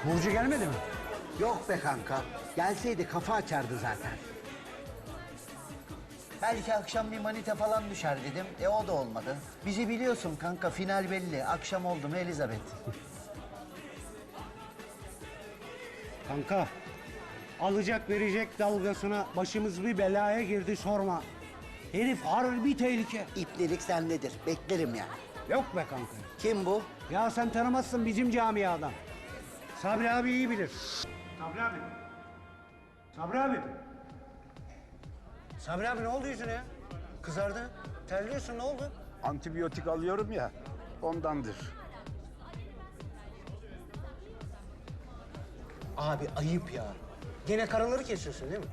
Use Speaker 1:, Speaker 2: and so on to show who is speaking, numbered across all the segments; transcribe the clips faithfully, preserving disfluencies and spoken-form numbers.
Speaker 1: Burcu gelmedi mi?
Speaker 2: Yok be kanka. Gelseydi kafa açardı zaten. Belki akşam bir manita falan düşer dedim. E o da olmadı. Bizi biliyorsun kanka, final belli. Akşam oldu mu Elizabeth?
Speaker 1: Kanka, alacak verecek dalgasına başımız bir belaya girdi sorma. Herif harbi tehlike.
Speaker 2: İplerik sendedir. Beklerim yani.
Speaker 1: Yok be kanka.
Speaker 2: Kim bu?
Speaker 1: Ya sen tanımazsın bizim camiadan. Sabri abi iyi bilir. Sabri abi. Sabri abi. Sabri abi ne oldu yüzüne ya? Kızardı. Terliyorsun, ne oldu?
Speaker 3: Antibiyotik alıyorum ya, ondandır.
Speaker 1: Abi ayıp ya. Gene karaları kesiyorsun değil mi?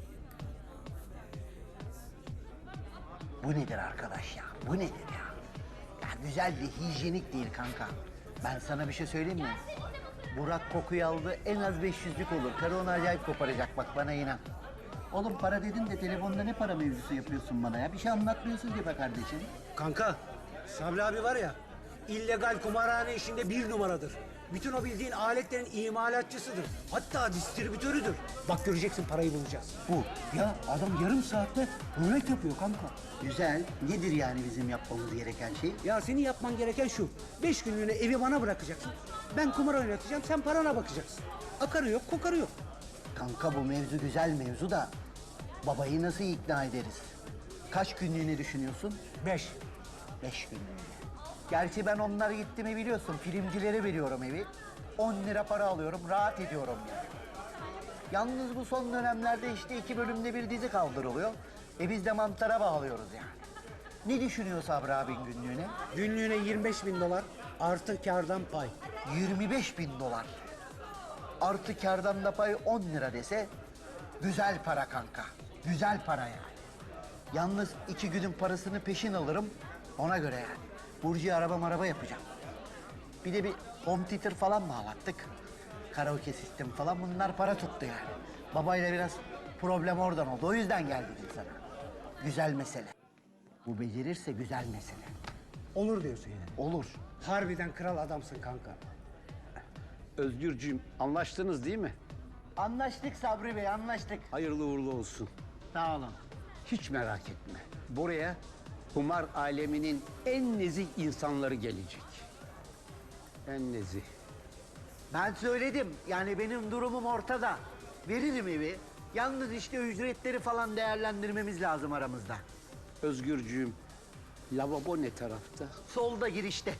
Speaker 2: Bu nedir arkadaş ya? Bu nedir ya? Ya güzel bir hijyenik değil kanka. Ben sana bir şey söyleyeyim mi? Burak kokuyu aldı, en az beş yüzlük olur. Karı onu acayip koparacak, bak bana inan. Oğlum para dedin de telefonda ne para mevzusu yapıyorsun bana ya? Bir şey anlatmıyorsun ki be kardeşim.
Speaker 1: Kanka, Sabri abi var ya, illegal kumarhane işinde bir numaradır. Bütün o bildiğin aletlerin imalatçısıdır. Hatta distribütörüdür. Bak göreceksin, parayı bulacağız.
Speaker 2: Bu.
Speaker 1: Ya adam yarım saatte rulet yapıyor kanka.
Speaker 2: Güzel. Nedir yani bizim yapmamız gereken şey?
Speaker 1: Ya senin yapman gereken şu. Beş günlüğüne evi bana bırakacaksın. Ben kumar oynatacağım, sen parana bakacaksın. Akarı yok, kokarı yok.
Speaker 2: Kanka bu mevzu güzel mevzu da babayı nasıl ikna ederiz? Kaç günlüğüne düşünüyorsun?
Speaker 1: Beş.
Speaker 2: Beş günlüğüne. Gerçi ben onlar gitti mi biliyorsun, filmcilere veriyorum evi. On lira para alıyorum, rahat ediyorum yani. Yalnız bu son dönemlerde işte iki bölümde bir dizi kaldırılıyor. E biz de mantara bağlıyoruz yani. Ne düşünüyor Sabri abin günlüğüne?
Speaker 1: Günlüğüne yirmi beş bin dolar artı kârdan pay.
Speaker 2: yirmi beş bin dolar. Artı kârdan da pay on lira dese güzel para kanka. Güzel para yani. Yalnız iki günün parasını peşin alırım ona göre yani. Burcu'ya araba maraba yapacağım. Bir de bir home theater falan bağlattık. Karaoke sistemi falan, bunlar para tuttu yani. Babayla biraz problem oradan oldu. O yüzden gel dedim sana. Güzel mesele. Bu becerirse güzel mesele.
Speaker 1: Olur diyorsun yani.
Speaker 2: Olur.
Speaker 1: Harbiden kral adamsın kanka.
Speaker 3: Özgürcüğüm, anlaştınız değil mi?
Speaker 2: Anlaştık Sabri Bey, anlaştık.
Speaker 3: Hayırlı uğurlu olsun.
Speaker 2: Sağ olun.
Speaker 3: Hiç merak etme. Buraya kumar aleminin en nezih insanları gelecek. En nezih.
Speaker 2: Ben söyledim. Yani benim durumum ortada. Veririm evi. Yalnız işte ücretleri falan değerlendirmemiz lazım aramızda.
Speaker 3: Özgürcüğüm, lavabo ne tarafta?
Speaker 2: Solda girişte.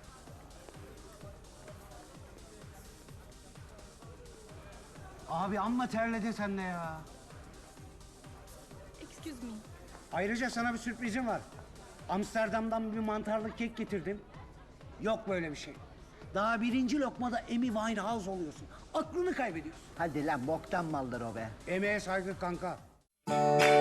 Speaker 1: Abi amma terledin sen de ya.
Speaker 4: Excuse me.
Speaker 1: Ayrıca sana bir sürprizim var. Amsterdam'dan bir mantarlı kek getirdim. Yok böyle bir şey. Daha birinci lokmada Amy Winehouse oluyorsun. Aklını kaybediyorsun.
Speaker 2: Hadi lan, boktan maldır o be.
Speaker 1: Emeğe saygı kanka.